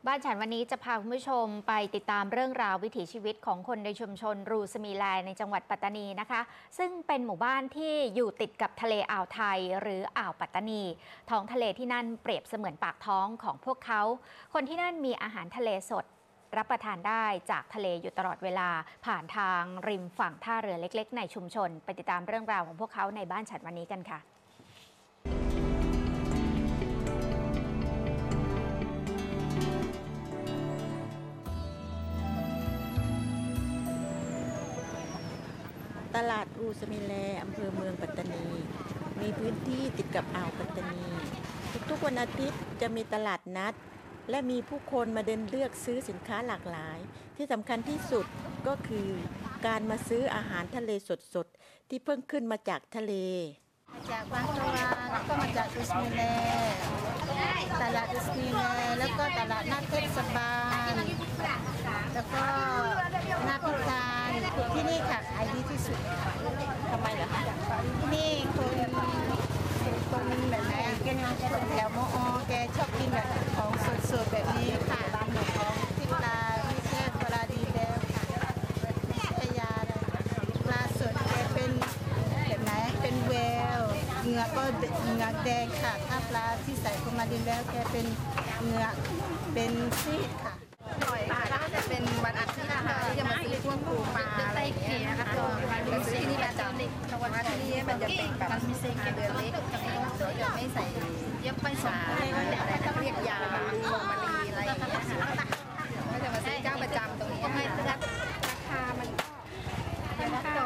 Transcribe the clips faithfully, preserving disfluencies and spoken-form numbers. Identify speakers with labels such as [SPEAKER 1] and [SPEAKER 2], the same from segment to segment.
[SPEAKER 1] บ้านฉันวันนี้จะพาคุณผู้ชมไปติดตามเรื่องราววิถีชีวิตของคนในชุมชนรูสมีแลในจังหวัดปัตตานีนะคะซึ่งเป็นหมู่บ้านที่อยู่ติดกับทะเลอ่าวไทยหรืออ่าวปัตตานีท้องทะเลที่นั่นเปรียบเสมือนปากท้องของพวกเขาคนที่นั่นมีอาหารทะเลสดรับประทานได้จากทะเลอยู่ตลอดเวลาผ่านทางริมฝั่งท่าเรือเล็กๆในชุมชนไปติดตามเรื่องราวของพวกเขาในบ้านฉันวันนี้กันค่ะ
[SPEAKER 2] ตลาดรูสมิแลอำเภอเมืองปัตตานีมีพื้นที่ติดกับอ่าวปัตตานีทุกๆวันอาทิตย์จะมีตลาดนัดและมีผู้คนมาเดินเลือกซื้อสินค้าหลากหลายที่สำคัญที่สุดก็คือการมาซื้ออาหารทะเลสดๆที่เพิ่งขึ้นมาจากทะเล
[SPEAKER 3] จากบางตะวันแล้วก็มาจากรูสมิแลตลาดรูสมิแลแล้วก็ตลาดนัดเทศบาลแล้วก็นาพิธานที่นี่ค่ะขายดีที่สุด
[SPEAKER 2] ทำไมล่ะคะ
[SPEAKER 3] ที่นี่คนคนแบบไหนคนแถวมอแกชอบกินแบบของสดๆแบบนี้ค่ะของที่ปลาไม่ใช่ปลาดีแล้วค่ะไม่ใช่ยาเลยปลาสดแกเป็นแบบไหนเป็นแววเหงือกก็เหงือกแดงค่ะถ้าปลาที่ใส่เข้ามาดินแล้วแกเป็นเหงือกเป็นซีดค่ะ
[SPEAKER 4] ถ้าจะเป็นวันอาทิตย์นะคะที่จะมาซื้อพวกปูปลาอะไรอย่างเงี้ยนะคะมาซื้อที่นี่ประจำวันที่นี่มันจะเป็นแบบเดือนเล็กเราจะไม่ใส่เย็บไม่สาอะไรนะเรียกยาโมมารีอะไรอย่างเงี้ยค่ะก็จะมาซื้อเจ้าประจำตรงนี้ให้ราคามันก็ราคา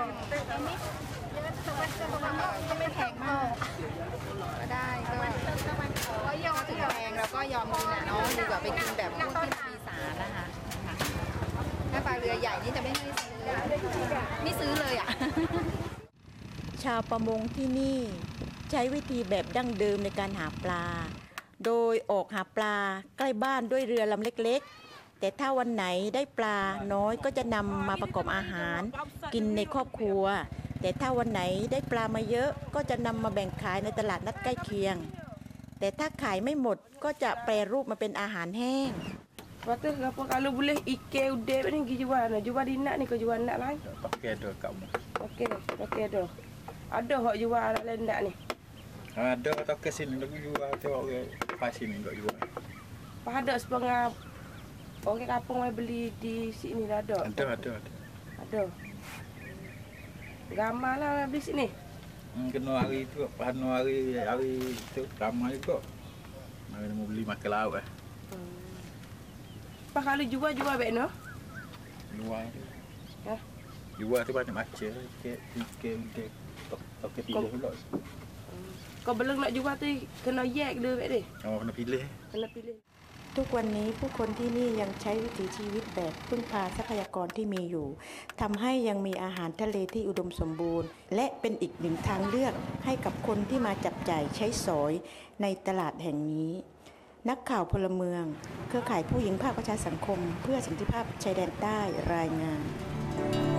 [SPEAKER 4] ก็ไม่แพงมากก็ได้ก็ยอมถึงแพงแล้วก็ยอมกินอ่ะเนาะดีกว่าไปกินแบบพวกที่มีสารนะคะถ้าปลาเรือใหญ่นี่จะไม่ไม่ซื้อไม่ซื้อเลยอ่ะ
[SPEAKER 2] ชาวประมงที่นี่ใช้วิธีแบบดั้งเดิมในการหาปลาโดยออกหาปลาใกล้บ้านด้วยเรือลำเล็กๆแต่ถ้าวันไหนได้ปลาน้อยก็จะนำมาประกอบอาหารกินในครอบครัวแต่ถ้าวันไหนได้ปลามาเยอะก็จะนำมาแบ่งขายในตลาดนัดใกล้เคียงแต่ถ้าขายไม่หมดก็จะแปรรูปมาเป็นอาหารแห้ง
[SPEAKER 5] Waktu apa kalau boleh ikan udah ni pergi jual nak jual di nak ni kau jual nak lain.
[SPEAKER 6] Okey dah kamu.
[SPEAKER 5] Okey, okey dah. Ada hak jual lain nak ni.
[SPEAKER 6] Ada tak ke sini nak jual tengok ke pas sini nak jual.
[SPEAKER 5] Pada setengah orang kampung mai beli di sini dah ada.
[SPEAKER 6] Ada ada ada.
[SPEAKER 5] Ada. Ramai lah beli sini.
[SPEAKER 6] Hmm, kena hari tu, panu hari hari tu ramai juga. Mari mau beli makan lauk eh.
[SPEAKER 5] Apa kalau jual-jual baik no?
[SPEAKER 6] Jual.
[SPEAKER 5] Ha?
[SPEAKER 6] Jual tu banyak macam ke ke ke tok tok ke pilih pula.
[SPEAKER 5] Kau belum nak jual tu kena yak dulu baik deh.
[SPEAKER 6] Oh kena pilih.
[SPEAKER 5] Kena pilih.
[SPEAKER 2] ทุกวันนี้ผู้คนที่นี่ยังใช้วิถีชีวิตแบบพึ่งพาทรัพยากรที่มีอยู่ทำให้ยังมีอาหารทะเลที่อุดมสมบูรณ์และเป็นอีกหนึ่งทางเลือกให้กับคนที่มาจับจ่ายใช้สอยในตลาดแห่งนี้นักข่าวพลเมืองเครือข่ายผู้หญิงภาคประชาสังคมเพื่อสันติภาพชายแดนใต้รายงาน